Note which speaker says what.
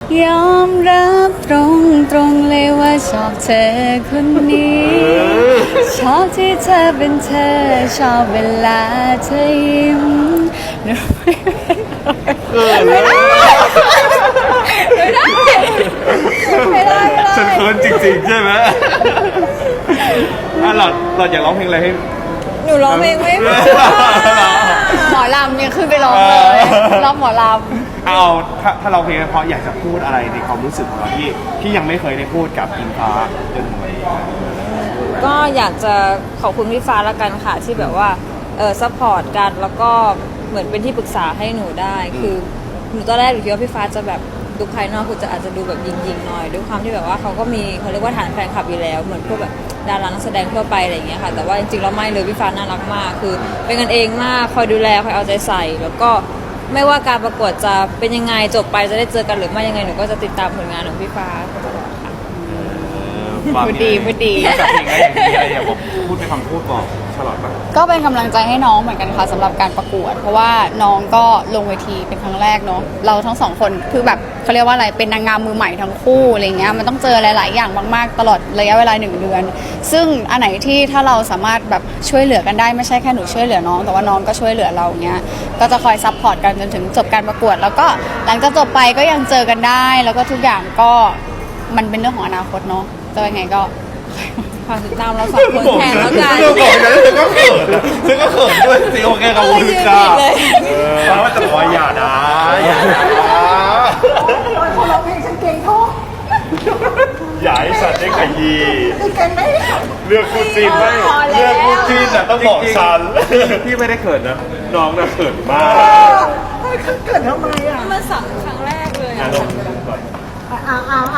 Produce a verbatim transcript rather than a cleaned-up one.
Speaker 1: ยอมรับตรงตรงเลยว่าชอบเธอคนนี้ ชอบที่เธอเป็นเธอชอบเวลาเธอยิ้มไม่ได้ไม่ได้ไม่ได้
Speaker 2: ฉันเขินจริงๆใช่ไหมอ่ะเราเราอยากร้องเพลงอะไรให้
Speaker 1: หนูร้องเพลงไม่พอหมอลำยังขึ้นไปร้องเลยร้องหมอลำ
Speaker 2: เอาถ้าถ้าเราเพลงเพราะอยากจะพูดอะไรในความรู้สึกของเราที่ที่ยังไม่เคยได้พูดกับอิงฟ้าจนถึงวันนี้
Speaker 1: ก็อยากจะขอบคุณพี่ฟ้าละกันค่ะที่แบบว่าเออซัพพอร์ตกันแล้วก็เหมือนเป็นที่ปรึกษาให้หนูได้คือหนูตอนแรกหนูคิดว่าพี่ฟ้าจะแบบดูภายนอกคือจะอาจจะดูแบบยิงๆหน่อยด้วยความที่แบบว่าเขาก็มีเขาเรียกว่าฐานแฟนคลับอยู่แล้วเหมือนพวกแบบดารานักแสดงทั่วไปอะไรอย่างเงี้ยค่ะแต่ว่าจริงๆแล้วไม่เลยพี่ฟ้าน่ารักมากคือเป็นกันเองมากคอยดูแลคอยเอาใจใส่แล้วก็ไม่ว่าการประกวดจะเป็นยังไงจบไปจะได้เจอกันหรือไม่ยังไงหนูก็จะติดตามผลงานของพี่ฟ้าตลอดค่ะพูดดีพูดดี
Speaker 2: กับเพลงอะไรอย่างนี้อะไรอย่างผมพูดเป็นคำพูดบอกฉลอดปะ
Speaker 1: ก็เป็นกำลังใจให้น้องเหมือนกันค่ะสำหรับการประกวดเพราะว่าน้องก็ลงเวทีเป็นครั้งแรกเนาะเราทั้งสองคนคือแบบเขาเรียกว่าอะไรเป็นนางงามมือใหม่ทั้งคู่อะไรเงี้ยมันต้องเจอหลายๆอย่างมากๆตลอดระยะเวลาหนึ่งเดือนซึ่งอันไหนที่ถ้าเราสามารถแบบช่วยเหลือกันได้ไม่ใช่แค่หนูช่วยเหลือน้องแต่ว่าน้องก็ช่วยเหลือเราเงี้ยก็จะคอยซัพพอร์ตกันจนถึงจบการประกวดแล้วก็หลังจากจบไปก็ยังเจอกันได้แล้วก็ทุกอย่างก็มันเป็นเรื่องของอนาคตเนาะจะยังไงก็ฝากติดตามเราสองคนแทนแล้วกัน
Speaker 2: เรื่องบอกนั้นเธอก็เขินเธอก็เขินด้วยสิโอเคกับคุณค่ะเพราะว่าจะบอกอย่านะอย่านะ
Speaker 3: คนร้องเพลงฉันเก่งท้อง
Speaker 2: อย่าให้ฉันได้ขยี้
Speaker 3: เก่งไหม
Speaker 2: เลือกคู่จีนไม่เลือกคู่จีนแต่ต้องบอกฉันพี่ไม่ได้เขินนะน้องน่ะเขินมาก
Speaker 3: เกิดทำไมอ่ะ
Speaker 1: มันสั่งครั้งแรกเลย
Speaker 3: อ่าอ่าอ่า